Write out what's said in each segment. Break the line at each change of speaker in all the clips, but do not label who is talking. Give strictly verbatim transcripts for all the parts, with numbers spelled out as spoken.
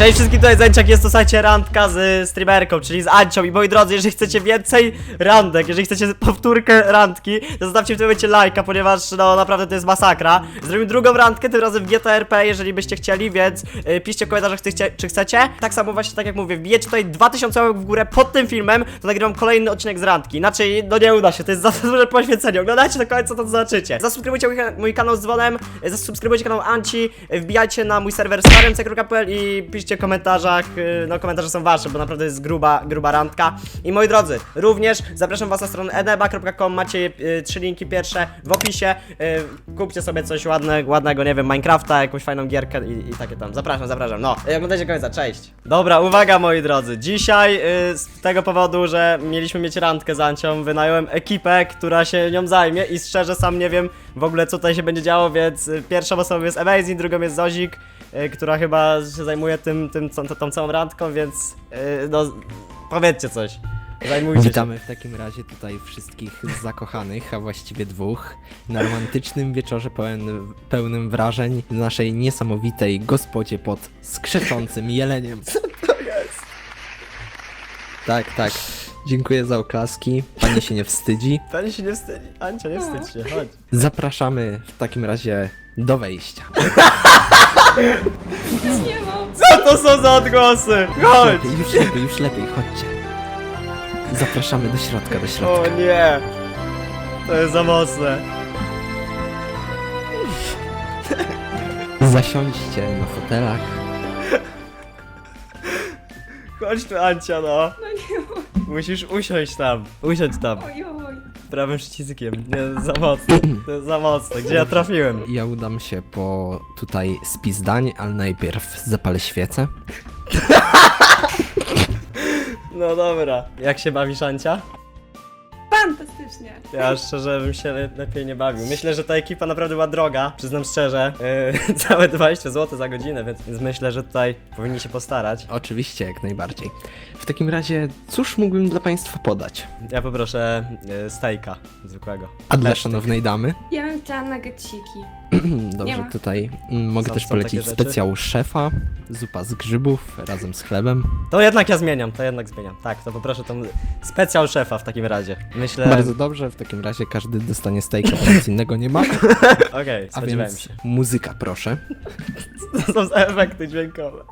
Cześć wszystkim, tutaj Zęciak, jest to, słuchajcie, randka z streamerką, czyli z Ancią. I moi drodzy, jeżeli chcecie więcej randek, jeżeli chcecie powtórkę randki, to zostawcie w tym momencie lajka, ponieważ no naprawdę to jest masakra. Zrobimy drugą randkę, tym razem w G T R P, jeżeli byście chcieli, więc yy, piszcie w komentarzach, chcecie, czy chcecie. Tak samo właśnie, tak jak mówię, wbijecie tutaj dwa tysiące łapek w górę pod tym filmem, to nagrywam kolejny odcinek z randki. Inaczej, no nie uda się, to jest za duże poświęcenie. Oglądajcie do końca, to zobaczycie. Zasubskrybujcie mój, mój kanał z dzwonem, zasubskrybujcie kanał Anci, wbijajcie na mój serwer starymce kropka p l i piszcie w komentarzach, no komentarze są wasze, bo naprawdę jest gruba, gruba randka. I moi drodzy, również zapraszam was na stronę eneba kropka com, macie y, trzy linki pierwsze w opisie. Y, kupcie sobie coś ładne, ładnego, nie wiem, Minecrafta, jakąś fajną gierkę i, i takie tam. Zapraszam, zapraszam. No, y, oglądajcie końca, cześć. Dobra, uwaga moi drodzy, dzisiaj y, z tego powodu, że mieliśmy mieć randkę z Ancią, wynająłem ekipę, która się nią zajmie i szczerze sam nie wiem w ogóle co tutaj się będzie działo, więc y, pierwszą osobą jest Amazing, drugą jest Zozik, y, która chyba się zajmuje tym, tym tą, tą całą randką, więc yy, no powiedzcie coś. Zajmujcie
Witamy
się.
w takim razie tutaj wszystkich zakochanych, a właściwie dwóch, na romantycznym wieczorze pełen, pełnym wrażeń w naszej niesamowitej gospodzie pod skrzeczącym jeleniem.
Co to jest?
Tak, tak. Dziękuję za oklaski. Pani się nie wstydzi.
Pani się nie wstydzi. Ancia, nie wstydź się, chodź.
Zapraszamy w takim razie do wejścia.
Nie mam.
Co to są za odgłosy? Chodź!
Lepiej, już lepiej, już lepiej, chodźcie. Zapraszamy do środka, do
O
środka.
nie! To jest za mocne.
Zasiądźcie na fotelach.
Chodź tu, Ancia, no.
No nie mam.
Musisz usiąść tam. Usiądź tam.
Oj, oj.
Prawym przyciskiem. Nie, za mocne. To jest za mocne. Gdzie ja trafiłem?
Ja udam się po tutaj spis dań, ale najpierw zapalę świecę.
No dobra. Jak się bawisz, Ancia?
Fantastycznie.
Ja szczerze bym się le lepiej nie bawił. Myślę, że ta ekipa naprawdę była droga, przyznam szczerze. Yy, całe dwadzieścia złotych za godzinę, więc, więc myślę, że tutaj powinni się postarać.
Oczywiście, jak najbardziej. W takim razie, cóż mógłbym dla Państwa podać?
Ja poproszę yy, stejka zwykłego.
A dla
Lesztyk.
szanownej damy?
Ja bym chciała nuggetsiki. Nie
Dobrze,
ma.
tutaj mm, mogę
Są-
też
są
polecić
takie rzeczy?
specjał szefa, zupa z grzybów razem z chlebem.
To jednak ja zmieniam, to jednak zmieniam. Tak, to poproszę tą specjal szefa w takim razie. Myślę...
Bardzo dobrze, w takim razie każdy dostanie stejka, bo nic innego nie ma.
Okej,
A
spodziewałem
więc
się.
muzyka, proszę.
To są za efekty dźwiękowe.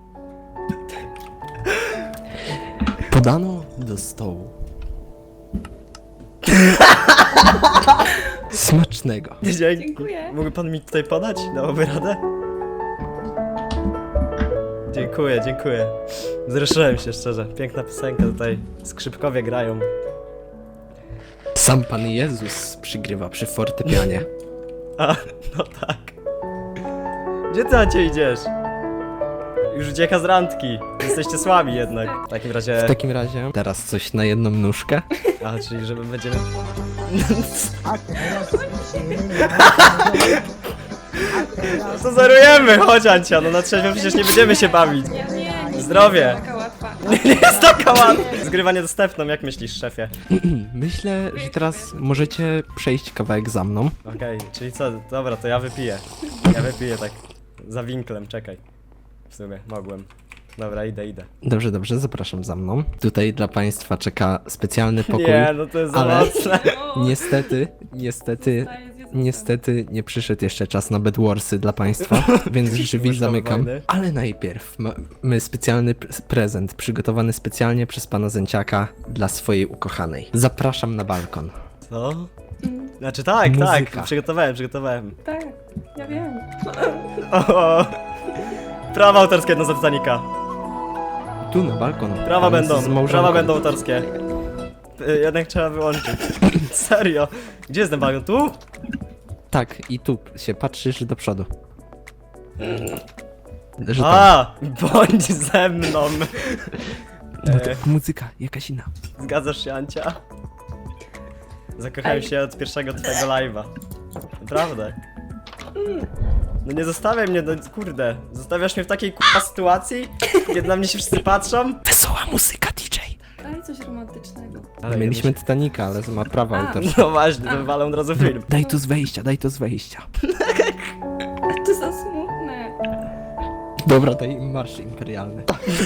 Podano do stołu. Smacznego.
Dzięki.
Dziękuję.
Mógłby pan mi tutaj podać? Dałoby radę? Dziękuję, dziękuję. Wzruszyłem się szczerze. Piękna piosenka tutaj. Skrzypkowie grają.
Sam Pan Jezus przygrywa przy fortepianie.
A, no tak. Gdzie ty, Ancie, idziesz? Już ucieka z randki. Jesteście słabi jednak. W takim razie...
W takim razie teraz coś na jedną nóżkę.
A, czyli żeby będziemy... Co zarujemy? Chodź, Ancia, no na trzeźwo przecież nie będziemy się bawić.
Ja nie, nie.
Zdrowie.
Nie jest taka łatwa.
Nie jest taka łatwa. Zgrywa niedostępną, jak myślisz, szefie?
Myślę, że teraz możecie przejść kawałek za mną.
Okej, czyli co? Dobra, to ja wypiję. Ja wypiję tak za winklem, czekaj. W sumie, mogłem. Dobra, idę, idę.
Dobrze, dobrze, zapraszam za mną. Tutaj dla Państwa czeka specjalny pokój.
Nie, no to jest za
ale-
mocne.
O,
Niestety, niestety,
zostaje zjedzone.
niestety nie przyszedł jeszcze czas na Bedwarsy dla Państwa, więc drzwi
Łóżkowe
zamykam.
wojny.
Ale najpierw mamy specjalny pre- prezent przygotowany specjalnie przez Pana Zęciaka dla swojej ukochanej. Zapraszam na balkon.
Co?
Mm,
Znaczy tak,
Muzyka.
tak, przygotowałem, przygotowałem.
Tak, ja wiem.
O, o. Prawa autorskie jedno za Titanica.
Tu na balkon.
Prawa
pan z
będą,
małżonką.
prawa będą autorskie. Y, Jednak trzeba wyłączyć. Serio? Gdzie jest ten balon? Tu?
Tak, i tu się patrzysz do przodu. Że tam.
A, bądź ze mną.
No to
E,
muzyka, jakaś inna.
Zgadzasz się, Ancia? Zakochałem
Ej.
się od pierwszego twojego live'a. Naprawdę. No nie zostawiaj mnie, no kurde. Zostawiasz mnie w takiej k***a sytuacji, kiedy na mnie się wszyscy patrzą?
Wesoła muzyka, D J.
Daj coś romantycznego.
Ale
Mieliśmy Titanica, ale ma prawa
A.
autorskie.
No właśnie, to wywalę od razu film.
Daj to z wejścia, daj to z wejścia.
To za smutne.
Dobra, daj im marsz imperialny.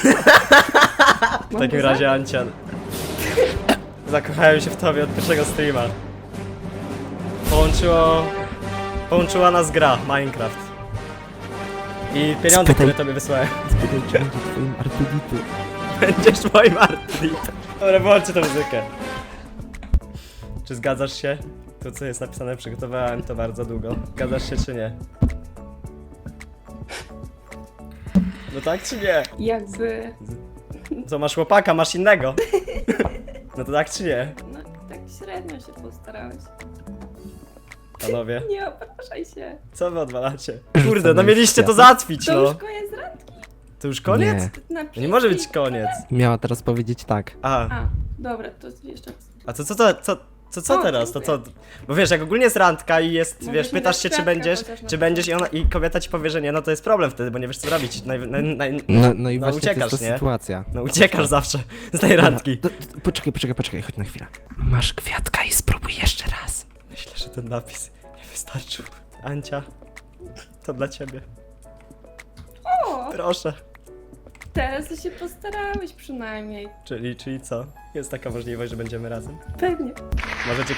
W takim razie, Ancia, zakochałem się w tobie od pierwszego streama. Połączyło... Połączyła nas gra, Minecraft. I pieniądze,
Spytaj-
które tobie wysłałem.
Spytaj, czy będzie twoim Artuditu.
Będziesz moim artlitem. Dobra, wyłączcie tę muzykę. Czy zgadzasz się? To, co jest napisane, przygotowałem to bardzo długo. Zgadzasz się, czy nie? No tak, czy nie?
Jakby...
Co, masz chłopaka, masz innego? No to tak, czy nie?
No, tak średnio się postarałeś.
Panowie,
Nie opraszaj się.
co wy odwalacie?
Rzucamy
Kurde, no
w
mieliście to
światło.
załatwić,
To
no.
już koniec randki.
To już koniec?
Nie.
Napisz
Nie może być
mi-
koniec.
Miała teraz powiedzieć tak.
A,
A, dobra, to jeszcze raz.
a co, co, co, co, co, co
O,
teraz? To co?
dziękuję.
Bo wiesz, jak ogólnie jest randka i jest,
Mogę
wiesz,
ci
pytasz
dać
się, czy
kwiatka
będziesz,
chociaż na
czy będziesz i, ona,
początku.
i kobieta ci powie, że nie, no to jest problem wtedy, bo nie wiesz co robić. Naj, naj, naj,
No, no i
No,
właśnie
uciekasz,
to jest ta
nie?
sytuacja.
no uciekasz zawsze z tej randki.
Dobra, to- to- Poczekaj, poczekaj, poczekaj, chodź na chwilę. Masz kwiatka i spróbuj jeszcze raz.
Myślę, że ten napis nie wystarczył. Ancia, to dla ciebie.
O,
Proszę.
teraz to się postarałeś przynajmniej.
Czyli, czyli co? Jest taka możliwość, że będziemy razem?
Pewnie.
Możecie...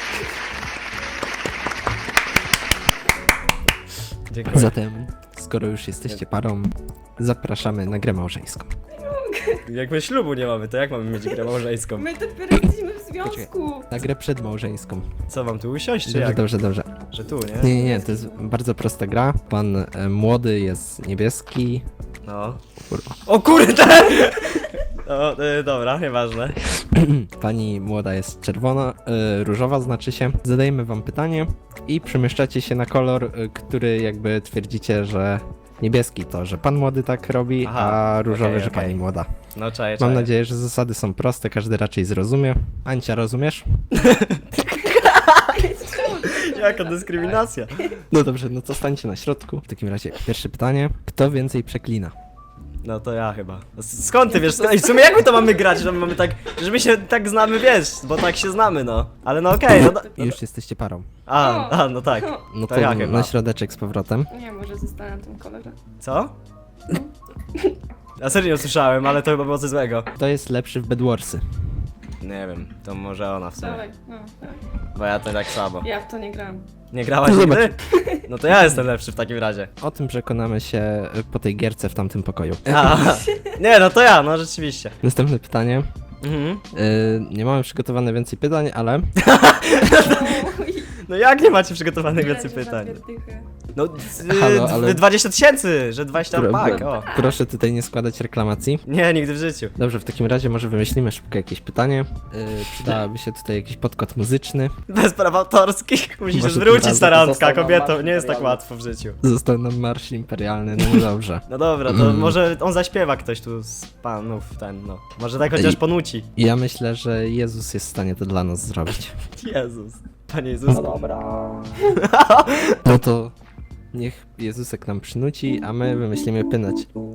Dziękuję.
Zatem, skoro już jesteście parą, zapraszamy na grę małżeńską.
Jak my ślubu nie mamy, to jak mamy mieć grę małżeńską?
My dopiero jesteśmy w związku.
Na grę przedmałżeńską.
Co, mam tu usiąść, czy
Dobrze,
jak?
dobrze, dobrze.
Że tu, nie?
Nie, nie, nie, to jest bardzo prosta gra. Pan e, młody jest niebieski.
No.
Kurwa.
O kurde! No, y, dobra, nieważne.
Pani młoda jest czerwona, e, różowa znaczy się. Zadajemy wam pytanie i przemieszczacie się na kolor, e, który jakby twierdzicie, że niebieski to, że pan młody tak robi,
Aha,
a różowy,
okej,
że
okej.
pani młoda.
No czaję,
Mam
czaję.
nadzieję, że zasady są proste, każdy raczej zrozumie. Ancia, rozumiesz?
Jaka dyskryminacja.
No dobrze, no to stańcie na środku. W takim razie pierwsze pytanie. Kto więcej przeklina?
No to ja chyba. S- Skąd ty wiesz? Ej, w sumie jak my to mamy grać, że my mamy tak, że my się tak znamy, wiesz, bo tak się znamy, no. Ale no okej, no, do-
I już jesteście parą.
A, a, no tak.
No
To
to,
ja chyba.
na środeczek z powrotem.
Nie, może zostanę na tym kolorze.
Co? Ja serio nie słyszałem, ale to chyba było coś złego.
Kto jest lepszy w Bedwarsy?
Nie wiem, to może ona w sumie.
Dawaj, no, dawaj.
Bo ja to tak słabo.
Ja w to nie grałam.
Nie grałaś
No zobacz.
nigdy? No to ja jestem lepszy w takim razie.
O tym przekonamy się e, po tej gierce w tamtym pokoju.
A, nie, no to ja, no rzeczywiście.
Następne pytanie.
Mhm.
Yy, nie mamy przygotowane więcej pytań, ale
Oj,
No jak nie macie przygotowanych
nie
więcej
będzie
pytań?
żadnych dychy.
No,
Halo,
z,
ale-
dwadzieścia tysięcy, że dwadzieścia
Pro-
pak, o.
proszę tutaj nie składać reklamacji.
Nie, nigdy w życiu.
Dobrze, w takim razie może wymyślimy szybko jakieś pytanie. Yy, przydałaby się tutaj jakiś podkład muzyczny.
Bez praw autorskich musisz
Może
zwrócić
tym
ta
razem
randka,
został nam
kobieto,
marsz
nie jest tak
imperialny.
łatwo w życiu.
Został nam marsz imperialny, no nie dobrze.
No dobra, to
Mm.
może on zaśpiewa ktoś tu z panów, ten, no. Może tak chociaż
Ej.
ponuci.
Ja myślę, że Jezus jest w stanie to dla nas zrobić.
Jezus. Panie Jezus.
No dobra.
No to niech Jezusek nam przynuci, a my wymyślimy pynać.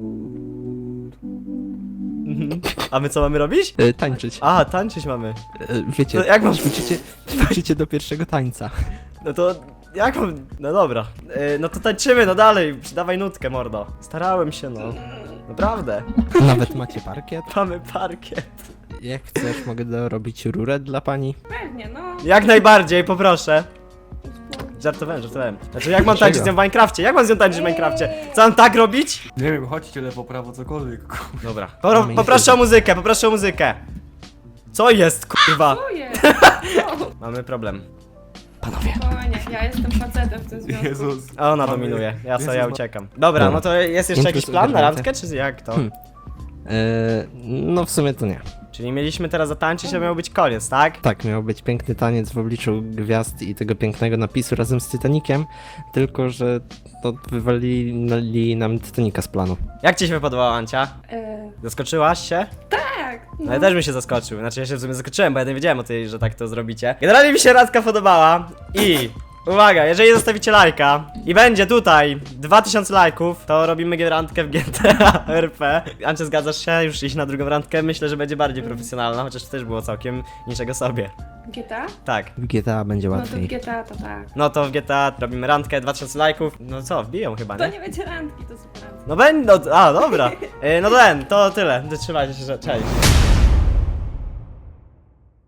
Mhm. A my co mamy robić?
Yy, tańczyć.
A, tańczyć mamy.
Yy, wiecie,
No jak mam-
ćwiczycie, ćwiczycie do pierwszego tańca.
No to jak mam... No dobra. Yy, no to tańczymy, no dalej. Dawaj nutkę, mordo. Starałem się, no. Naprawdę.
Nawet macie parkiet.
Mamy parkiet.
Jak chcesz, mogę dorobić rurę dla pani.
Pewnie, no.
Jak najbardziej, poproszę.
Spokój.
Żartowałem, żartowałem. Znaczy jak mam
Dlaczego?
tańczyć z nią w Minecrafcie? Jak mam z nią tańczyć w Minecrafcie? Co mam tak robić?
Nie wiem, chodźcie lewo, prawo, cokolwiek.
Dobra. Popro
Mamy
poproszę
jedzenie.
o muzykę, poproszę o muzykę. Co jest, kurwa?
Co jest? Co?
Mamy problem.
Panowie.
Spokojnie, ja jestem facetem w tym związku.
Jezus.
A ona
Mamy-
dominuje, ja sobie
Jezus,
ja
ma-
uciekam. Dobra,
Dobra.
no to jest jeszcze
Nie
jakiś
plus
plan na
ogarnięte.
randkę, czy jak to?
Hmm. Yy, no w sumie to nie.
Czyli mieliśmy teraz zatańczyć, a miał być koniec, tak?
Tak, miał być piękny taniec w obliczu gwiazd i tego pięknego napisu razem z Titanikiem, tylko że to wywalili nam Titanica z planu.
Jak ci się podobała, Ancia?
E,
Zaskoczyłaś się?
tak.
No ja też bym się zaskoczył, znaczy ja się w sumie zaskoczyłem, bo ja nie wiedziałem o tej, że tak to zrobicie. Generalnie mi się randka podobała i Uwaga, jeżeli zostawicie lajka i będzie tutaj dwa tysiące lajków, to robimy randkę w G T A R P. Ancie, zgadzasz się? Już iść na drugą randkę? Myślę, że będzie bardziej profesjonalna, chociaż to też było całkiem niczego sobie.
G T A?
Tak.
W G T A będzie
No to w
łatwiej.
G T A to tak.
No to w G T A robimy randkę, dwa tysiące lajków. No co, wbiją chyba,
To
nie?
nie będzie randki, to super randki.
No będą, a dobra. E, No ten, to tyle. Trzymajcie się, że- cześć.